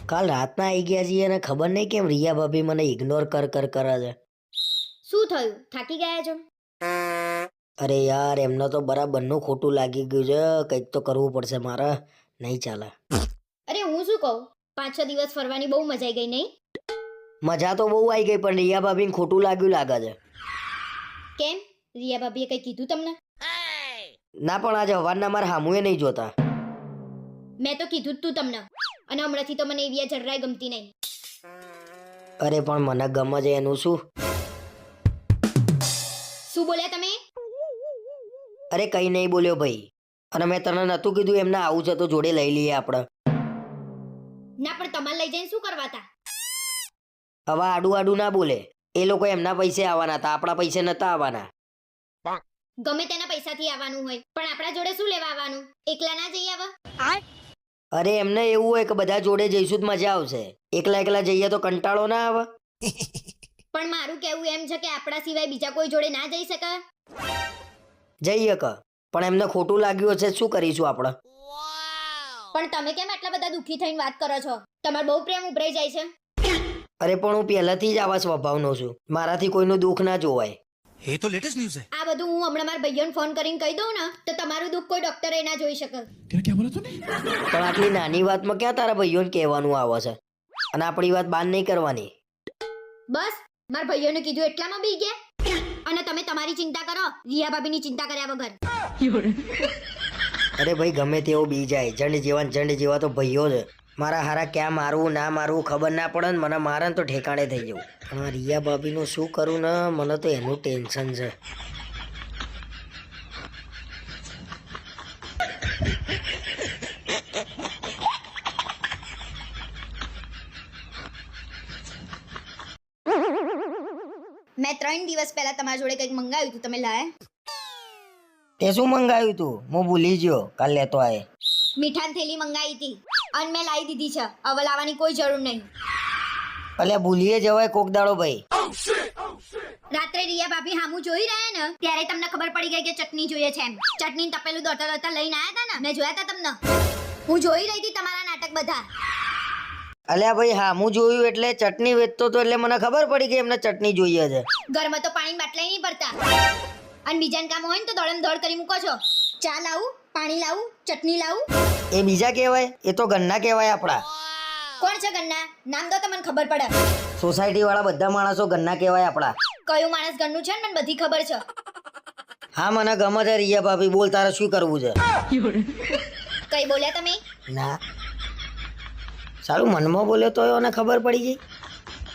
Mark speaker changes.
Speaker 1: કાલ રાતના આવી ગયા છીએ અને ખબર નહીં કેમ રિયા ભાભી મને ઇગ્નોર કરે છે.
Speaker 2: શું થયું? થાકી ગયા છો?
Speaker 1: અરે યાર એમને તો બરાબરનું ખોટું લાગી ગયું છે. કંઈક તો કરવું પડશે મારે, નહીં ચાલે.
Speaker 2: અરે હું શું કહું, 5-6 દિવસ ફરવાની બહુ મજા આવી ગઈ નહીં?
Speaker 1: મજા તો બહુ આવી ગઈ પણ રિયા ભાભીને ખોટું લાગ્યું લાગે છે.
Speaker 2: કેમ? રિયા ભાભીએ કંઈ કીધું તમને?
Speaker 1: ના પણ આજે હવારના મારા હામુએ નહીં જોતા.
Speaker 2: મેં તો કીધું જ તું તમને, અને હમણાંથી તો મને એવી જરાય ગમતી નહીં.
Speaker 1: અરે પણ મને ગમે છે એનું શું?
Speaker 2: શું બોલ્યા તમે?
Speaker 1: અરે કંઈ નહીં બોલ્યો ભાઈ. અને મેં તને નહોતું કીધું એમને આવું છે તો જોડે લઈ લઈએ આપણે.
Speaker 2: ના પણ તમારે લઈ જઈને શું કરવા હતા?
Speaker 1: હવે આડું આડું ના બોલે. એ લોકો એમના પૈસે આવવાના હતા, આપણા પૈસે નતા આવવાના.
Speaker 2: ગમે તેના પૈસાથી આવવાનું હોય પણ આપણા જોડે શું લેવા આવવાનું? એકલા ના જઈ આવા?
Speaker 1: અરે એમને એવું હોય કે બધા જોડે જઈશું તો મજા આવશે. એકલા એકલા જઈએ તો કંટાળો ના આવે.
Speaker 2: પણ મારું કહેવું એમ છે કે આપણા સિવાય બીજા કોઈ જોડે ના જઈ શકે.
Speaker 1: જઈએ કે પણ એમને ખોટું લાગ્યું હશે, શું કરીશું આપણે?
Speaker 2: પણ તમે કેમ આટલા બધા દુઃખી થઈને વાત કરો છો? તમારો બહુ પ્રેમ ઉભરાઈ જાય છે.
Speaker 1: અરે પણ હું પહેલાથી જ આવા સ્વભાવનો છું. મારાથી કોઈનું દુઃખ ના જોવાય.
Speaker 3: ये तो लेटेस्ट न्यूज़ है।
Speaker 2: આ બધું હું હમણાં મારા ભાઈઓને ફોન કરીને કહી દઉં ને તો તમારું દુઃખ કોઈ ડોક્ટરે ના જોઈ શકે.
Speaker 3: क्या बोला तूने?
Speaker 1: પણ આટલી નાની વાતમાં ક્યાં તારા ભાઈઓને કહેવાનું આવે છે? અને આપણી વાત બાન નહીં કરવાની.
Speaker 2: બસ મારા ભાઈઓને કીધું એટલામાં બી ગયા. અને તમે તમારી ચિંતા કરો, રિયા ભાભીની ચિંતા કર્યા વગર.
Speaker 1: અરે ભાઈ ગમે તેવો બી જાય, જંડ જેવા તો ભાઈઓ છે. મારા હારા ક્યાં મારવું ના મારવું ખબર ના પડે ને મને મારે ને તો ઠેકાણે થઈ જવું. પણ આ રિયા ભાભીનું શું કરું ને, મને તો એનું ટેન્શન છે.
Speaker 2: મેં 3 દિવસ પહેલા તમારા જોડે કંઈક મંગાવ્યું હતું, તમે લાયા?
Speaker 1: તે શું મંગાવ્યું તું? હું ભૂલી ગયો, કાલ લેતો આય.
Speaker 2: મીઠાની થેલી મંગાવી હતી અને મેં લાવી દીધી છે. હવે લાવવાની કોઈ જરૂર નહીં.
Speaker 1: અલ્યા ભૂલીએ જવાય કોક દાડો ભાઈ.
Speaker 2: રાત્રે રિયા ભાભી હામું જોઈ રહ્યા ને ત્યારે તમને ખબર પડી ગઈ કે ચટણી જોઈએ છે એમ. ચટણી તપેલું દોતા લઈને આવ્યા હતા ને, મેં જોયા હતા તમને. હું જોઈ રહી હતી તમારા નાટક બધા.
Speaker 1: અલ્યા ભાઈ હા હું જોયું એટલે ચટણી વેચતો તો એટલે મને ખબર પડી કે એમને ચટણી જોઈએ છે.
Speaker 2: ઘરમાં તો પાણી બાટલાય નહીં ભરતા અને બીજાને કામ હોય ને તો દોડમ દોડ કરી મૂકો છો. ચા લાવું, પાણી લાવું, ચટણી લાવું?
Speaker 1: એ બીજા કહેવાય, એ તો ગન્ના કહેવાય આપણા.
Speaker 2: કોણ છે ગન્ના? નામ દો તો મને ખબર પડે.
Speaker 1: સોસાયટી વાળા બધા માણસો ગન્ના કહેવાય આપણા.
Speaker 2: કયું માણસ ઘરનું છે ને મને બધી ખબર છે.
Speaker 1: હા મને ગમે છે રિયા ભાભી, બોલ તારે શું કરવું છે?
Speaker 2: કઈ બોલ્યા તમે?
Speaker 1: ના સારું મનમાં બોલ્યો તો એને ખબર પડી ગઈ.